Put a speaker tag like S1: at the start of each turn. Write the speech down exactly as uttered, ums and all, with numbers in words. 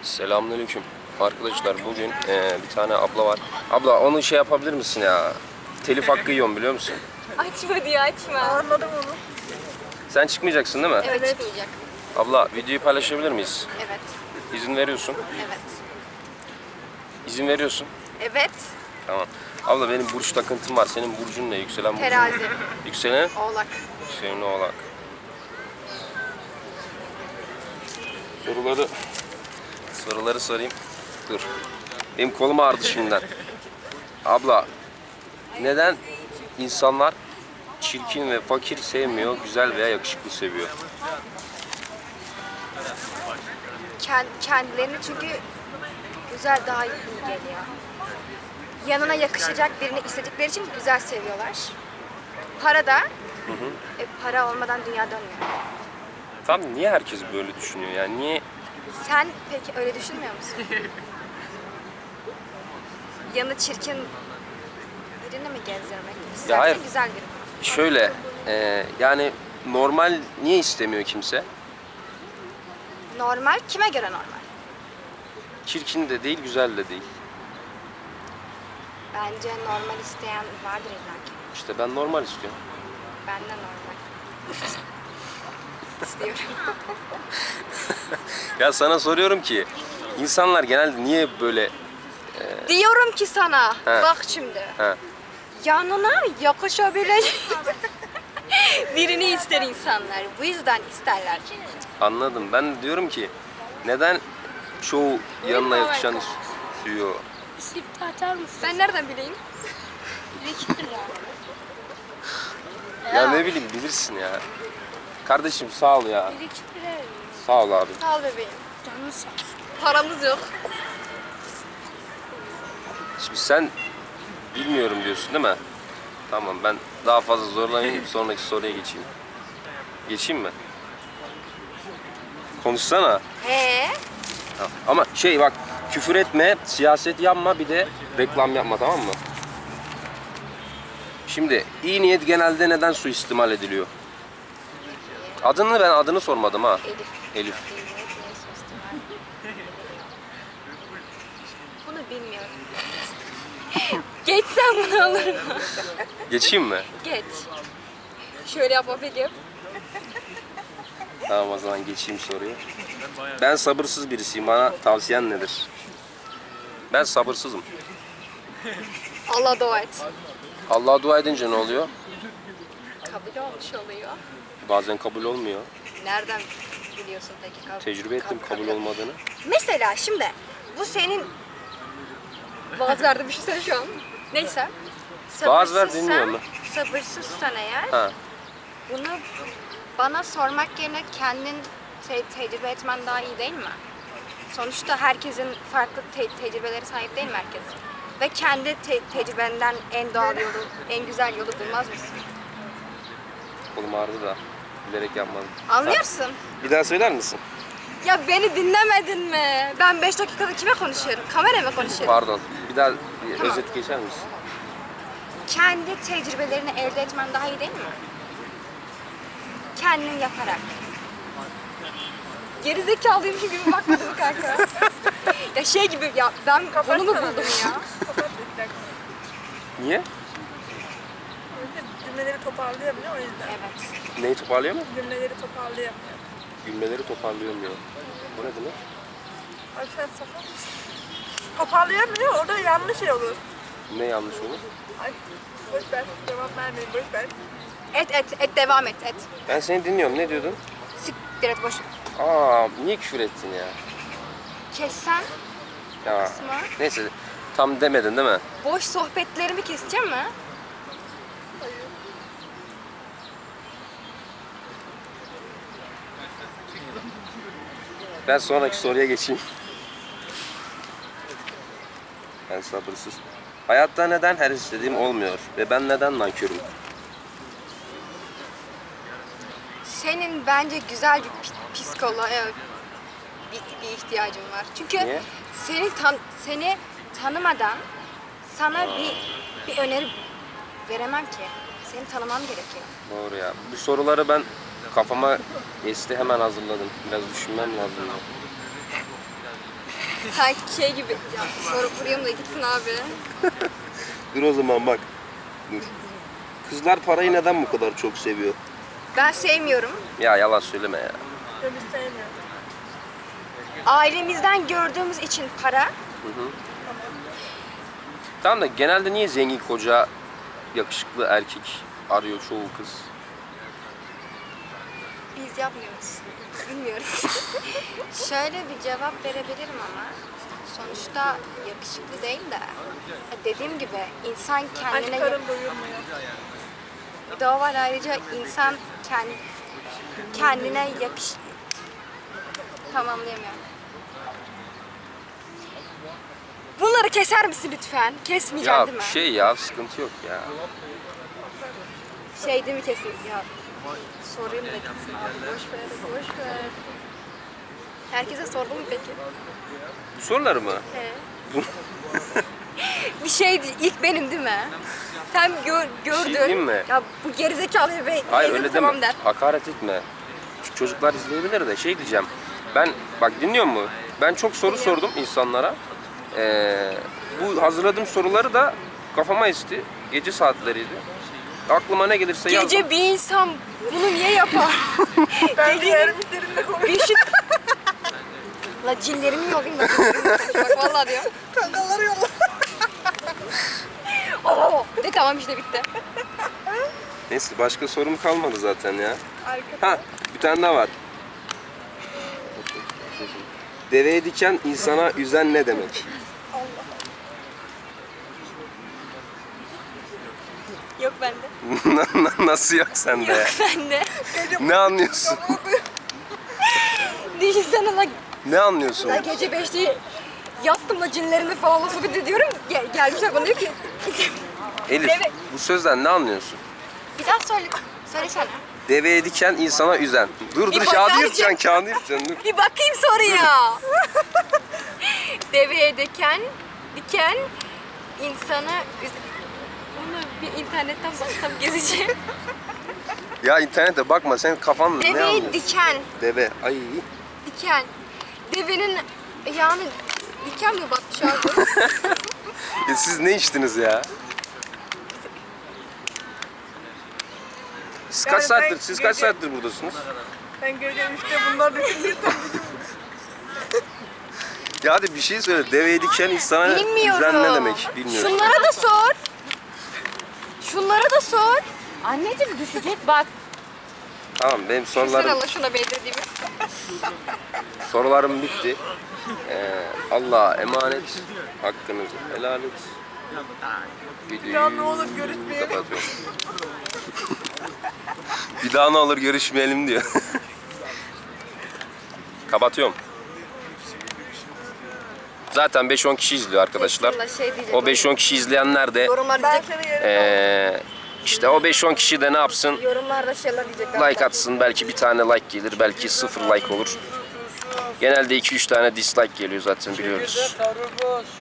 S1: Selamünaleyküm. Arkadaşlar bugün e, bir tane abla var. Abla onu şey yapabilir misin ya? Telif hakkı yiyorum biliyor musun?
S2: Açma diye açma.
S3: Anladım onu.
S1: Sen çıkmayacaksın değil mi?
S2: Evet, çıkmayacak.
S1: Abla videoyu paylaşabilir miyiz?
S2: Evet.
S1: İzin veriyorsun.
S2: Evet.
S1: İzin veriyorsun.
S2: Evet.
S1: Tamam. Abla benim burç takıntım var. Senin burcun ne? Yükselen burcun.
S2: Terazi.
S1: Yükselen?
S2: Oğlak.
S1: Yükselen oğlak. Soruları soruları sorayım. Dur. Benim kolum ağrıdı şimdiden. Abla, neden insanlar çirkin ve fakir sevmiyor, güzel veya yakışıklı seviyor?
S2: Kend, kendilerini çünkü güzel daha iyi geliyor. Yanına yakışacak birini istedikleri için güzel seviyorlar. Para da E, para olmadan dünya dönmüyor.
S1: Tam niye herkes böyle düşünüyor? Yani niye?
S2: Sen peki öyle düşünmüyor musun? Yanı çirkin birini mi gezdirmek istersin?
S1: hayır.
S2: Güzel birini.
S1: Şöyle, e, yani normal niye istemiyor kimse?
S2: Normal kime göre normal?
S1: Çirkin de değil, güzel de değil.
S2: Bence normal isteyen vardır illa ki.
S1: İşte ben normal istiyorum.
S2: Ben de normal. İstiyorum.
S1: Ya sana soruyorum ki, insanlar genelde niye böyle...
S2: Diyorum ki sana,
S1: He.
S2: bak şimdi.
S1: He.
S2: Yanına yakışabilecek birini ister insanlar. Bu yüzden isterler.
S1: Anladım. Ben de diyorum ki, neden çoğu yanına yakışan istiyor?
S3: Sifte atar mısın?
S2: Ben nereden bileyim?
S1: Ya ne bileyim bilirsin ya. Kardeşim sağ ol ya. Sağ ol abi.
S2: Sağ ol bebeğim.
S3: Canını sağ olsun.
S2: Paramız yok.
S1: Şimdi sen bilmiyorum diyorsun değil mi? Tamam ben daha fazla zorlamayayım sonraki soruya geçeyim. Geçeyim mi? Konuşsana.
S2: He?
S1: Ha, ama şey bak küfür etme, siyaset yapma bir de reklam yapma tamam mı? Şimdi iyi niyet genelde neden suistimal ediliyor? Adını ben adını sormadım ha.
S2: Elif.
S1: Elif.
S2: Bunu bilmiyorum. Geçsen bunu alır mı?
S1: Geçeyim mi?
S2: Geç. Şöyle yapma peki.
S1: Tamam o zaman geçeyim soruyu. Ben sabırsız birisiyim. Bana tavsiyen nedir? Ben sabırsızım.
S2: Allah dua et.
S1: Allah'a dua edince ne oluyor?
S2: Kabul olmuş oluyor.
S1: Bazen kabul olmuyor.
S2: Nereden biliyorsun peki? Kab-
S1: Tecrübe ettim
S2: kab-
S1: kabul olmadığını.
S2: Mesela şimdi bu senin vaaz verdi bir şey söyle şu an. Neyse.
S1: Vaaz ver,
S2: Sabırsızsan-
S1: dinliyorum
S2: Sabırsızsan eğer
S1: Ha.
S2: bunu bana sormak yerine kendin te- tecrübe etmen daha iyi değil mi? Sonuçta herkesin farklı te- tecrübeleri sahip değil mi herkes? Ve kendi te- tecrübenden en doğal yolu, en güzel yolu bulmaz mısın?
S1: Kolum ağrıdı da bilerek yapmadım.
S2: Anlıyorsun?
S1: Bir daha söyler misin?
S2: Ya beni dinlemedin mi? Ben beş dakikada kime konuşuyorum? Kameraya mı konuşuyorum?
S1: Pardon. Bir daha bir
S2: Tamam.
S1: özet geçer misin?
S2: Kendi tecrübelerini elde etmen daha iyi değil mi? Kendin yaparak. Gerizekalıymış gibi bakmadın kanka. Ya şey gibi ya ben bunu mu buldum ya?
S1: Niye?
S3: Cümleleri toparlayamıyor o yüzden.
S2: Evet.
S1: Neyi toparlıyor mu?
S3: Cümleleri toparlayamıyor.
S1: Gülmeleri toparlayamıyor. Bu ne demek?
S3: Ay sen sapık mısın? Toparlayamıyor orada yanlış şey olur.
S1: Ne yanlış olur?
S3: Ay boş ver. Cevap vermeyin boş ver.
S2: Et et et devam et et.
S1: Ben seni dinliyorum. Ne diyordun?
S2: Siktir et boş.
S1: Aa, niye küfür ettin ya?
S2: Kessen
S1: Ya.
S2: kısmı.
S1: Neyse. Tam demedin değil mi?
S2: Boş sohbetlerimi keseceğim mi?
S1: Ben sonraki soruya geçeyim. Ben sabırsız. Hayatta neden her istediğim olmuyor ve ben neden nankörüm?
S2: Senin bence güzel bir pi- psikoloğa bir, bir ihtiyacın var. Çünkü
S1: Niye?
S2: seni tan seni tanımadan sana bir bir öneri veremem ki. Seni tanımam gerekiyor.
S1: Doğru ya. Bu soruları ben kafama esti hemen hazırladım. Biraz düşünmem lazım.
S2: Sanki şey gibi. Ya sorup vurayım da gitsin abi.
S1: Dur o zaman bak. Dur. Kızlar parayı neden bu kadar çok seviyor?
S2: Ben sevmiyorum.
S1: Ya yalan söyleme ya.
S3: Ben hiç sevmiyorum.
S2: Ailemizden gördüğümüz için para.
S1: Tamam da genelde niye zengin koca, yakışıklı erkek arıyor çoğu kız?
S2: Biz yapmıyoruz. Bilmiyoruz. Şöyle bir cevap verebilirim ama sonuçta yakışıklı değil de dediğim gibi insan kendine
S3: Aşklarım doyurmuyor.
S2: bir de o var, ayrıca insan kendi, kendine yakış tamamlayamıyorum. Bunları keser misin lütfen? Kesmeyeceksin
S1: Ya
S2: değil mi?
S1: şey ya sıkıntı yok ya.
S2: Şey değil mi kesin? Ya sorayım da gitsin abi. Boş ver, boş ver. Herkese sordun mu peki?
S1: Bu soruları mı?
S2: He. Bir şeydi, ilk benim değil mi? Sen gör, gördün.
S1: şey diyeyim mi?
S2: Ya bu gerizekalı be.
S1: Hayır
S2: dedim,
S1: öyle
S2: tamam
S1: deme.
S2: der.
S1: Hakaret etme. Çünkü çocuklar izleyebilir de şey diyeceğim. Ben bak dinliyor mu? Ben çok soru
S2: Dinliyorum.
S1: sordum insanlara. Ee, bu hazırladığım soruları da kafama esti. Gece saatleriydi. Aklıma ne gelirse yazdım.
S2: Gece bir insan bunu niye yapar?
S3: Ben diğer müşterimle konuşuyorum.
S2: Bir şey... La cinlerimi yollayayım da. Bak vallahi diyor.
S3: Kankaları yolla.
S2: Oo, de tamam işte bitti.
S1: Neyse başka sorum kalmadı zaten ya.
S3: Arkada.
S1: Ha bir tane daha var. Deveye diken insana üzen ne demek?
S2: Yok bende.
S1: Nasıl yok sende ya?
S2: Yok bende.
S1: Ne anlıyorsun?
S2: Düşünsene la,
S1: Ne anlıyorsun?
S2: la gece beşte yattım da cinlerimi falan sohbet ediyorum. Gel, gelmişler bana diyor ki.
S1: Elif
S2: Deve-
S1: bu sözden ne anlıyorsun?
S2: Bir daha söyle. Söylesene.
S1: Deveye diken insana üzen. Dur dur
S2: Bir
S1: kağıdı
S2: bakar
S1: yırtacaksın
S2: mısın?
S1: kağıdı yırtacaksın dur.
S2: Bir bakayım soruya. Deveye diken, diken insana üz- Onu bir internetten baksam gezeceğim.
S1: Ya internete bakma sen kafan ne
S2: Deveye
S1: anlıyorsun?
S2: diken,
S1: Deve. Ay.
S2: diken. Devenin yani diken mi batmış abi?
S1: Ya siz ne içtiniz ya? Siz kaç
S3: Yani ben
S1: saattir, siz kaç
S3: gece-
S1: saattir buradasınız?
S3: Ben gece üçte bunlar düşündüğü tam
S1: Ya hadi bir şey söyle. Deveye diken insana
S2: Bilmiyorum.
S1: üzen ne demek? Bilmiyorum.
S2: Şunlara da sor. Şunlara da sor. Anneciğim düşecek bak.
S1: Tamam benim
S2: Şuna
S1: sorularım
S2: Allah şuna bedirdiğimi.
S1: sorularım bitti. Ee, Allah'a emanet. Hakkınızı helal et.
S3: Bir daha ne
S1: Videoyu
S3: olur görüşmeyelim.
S1: kapatıyorum. Bir daha ne olur görüşmeyelim diyor. Kapatıyorum. Zaten beş on kişi izliyor arkadaşlar.
S2: Kesinlikle şey diyecek.
S1: O beş on kişi izleyenler de
S2: Yorumlar
S3: Ben
S2: diyecek.
S3: seni yerim.
S1: ee, işte o beş on kişi de ne yapsın?
S2: Yorumlarda şeyler diyecekler.
S1: Like atsın. Belki bir tane like gelir. Belki sıfır like olur. Genelde iki üç tane dislike geliyor zaten biliyoruz.